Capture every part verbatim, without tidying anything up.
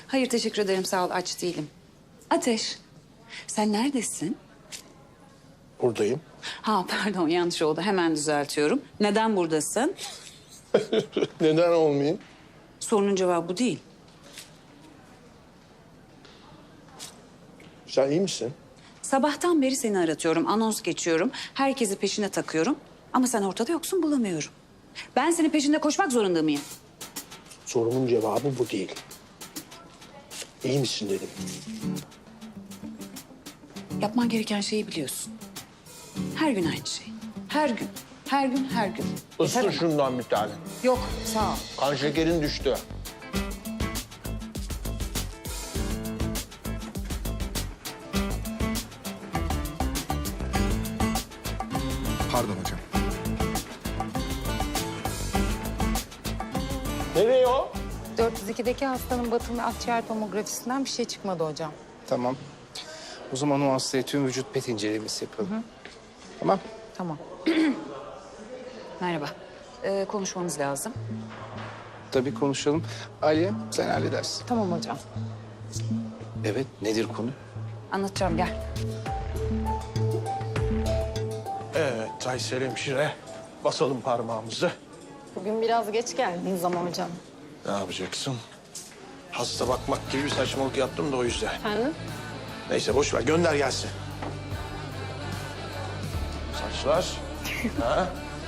Hayır teşekkür ederim sağ ol aç değilim. Ateş sen neredesin? Buradayım. Ha pardon yanlış oldu hemen düzeltiyorum. Neden buradasın? Neden olmayayım? Sorunun cevabı bu değil. Sen iyi misin? Sabahtan beri seni aratıyorum, anons geçiyorum. Herkesi peşine takıyorum. Ama sen ortada yoksun bulamıyorum. Ben senin peşinde koşmak zorunda mıyım? Sorumun cevabı bu değil. İyi misin dedim. Yapman gereken şeyi biliyorsun. Her gün aynı şey. Her gün, her gün, her gün. Yeter Isır ama. şundan bir tane. Yok sağ ol. Kan şekerin düştü. Pardon hocam. Nereye o? dört yüz ikideki hastanın batın ve akciğer tomografisinden bir şey çıkmadı hocam. Tamam. O zaman o hastaya tüm vücut pet incelemesi yapalım. Tamam. Tamam. Merhaba. Ee, konuşmamız lazım. Tabii konuşalım. Aliye sen halledersin. Tamam hocam. Evet nedir konu? Anlatacağım gel. Evet Taysel hemşire. Basalım parmağımızı. Bugün biraz geç geldiniz ama hocam. Ne yapacaksın? Hasta bakmak gibi bir saçmalık yaptım da o yüzden. Efendim? Neyse boş ver gönder gelsin. Saçlar. Ha?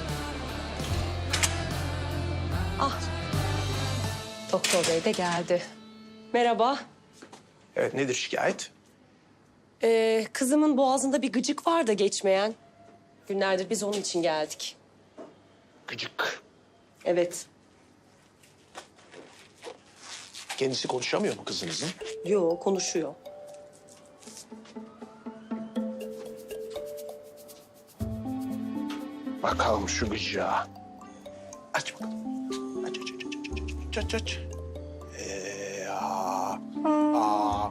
Doktor bey de geldi. Merhaba. Evet nedir şikayet? Ee, kızımın boğazında bir gıcık var da geçmeyen. Günlerdir biz onun için geldik. Gıcık. Evet. Kendisi konuşamıyor mu kızınızın? Yo konuşuyor. Bakalım şu gıcığa. Aç bakalım. Aç aç aç aç aç aç aç. Ee, aa, aa.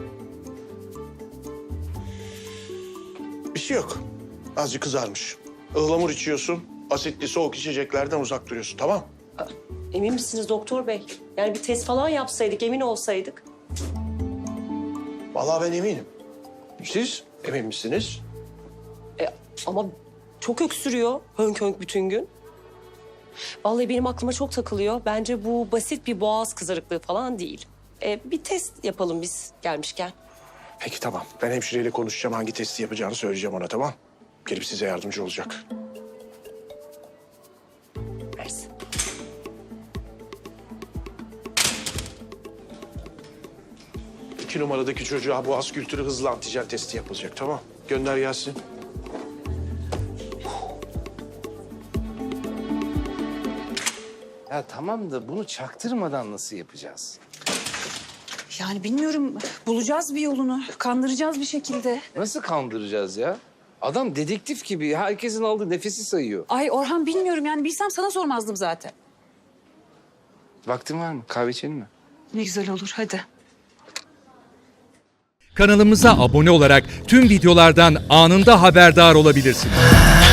Bir şey yok. Azıcık kızarmış. Ihlamur içiyorsun. Asitli soğuk içeceklerden uzak duruyorsun tamam? Emin misiniz doktor bey? Yani bir test falan yapsaydık, emin olsaydık. Vallahi ben eminim. Siz emin misiniz? E, ama çok öksürüyor hönk hönk bütün gün. Vallahi benim aklıma çok takılıyor. Bence bu basit bir boğaz kızarıklığı falan değil. E, bir test yapalım biz gelmişken. Peki tamam. Ben hemşireyle konuşacağım. Hangi testi yapacağını söyleyeceğim ona tamam? Gelip size yardımcı olacak. Versin. İki numaradaki çocuğa boğaz kültürü hızlı antijen testi yapılacak tamam? Gönder gelsin. Ya tamam da bunu çaktırmadan nasıl yapacağız? Yani bilmiyorum bulacağız bir yolunu. Kandıracağız bir şekilde. Nasıl kandıracağız ya? Adam dedektif gibi herkesin aldığı nefesi sayıyor. Ay Orhan bilmiyorum yani bilsem sana sormazdım zaten. Vaktin var mı? Kahve içelim mi? Ne güzel olur hadi. Kanalımıza abone olarak tüm videolardan anında haberdar olabilirsiniz.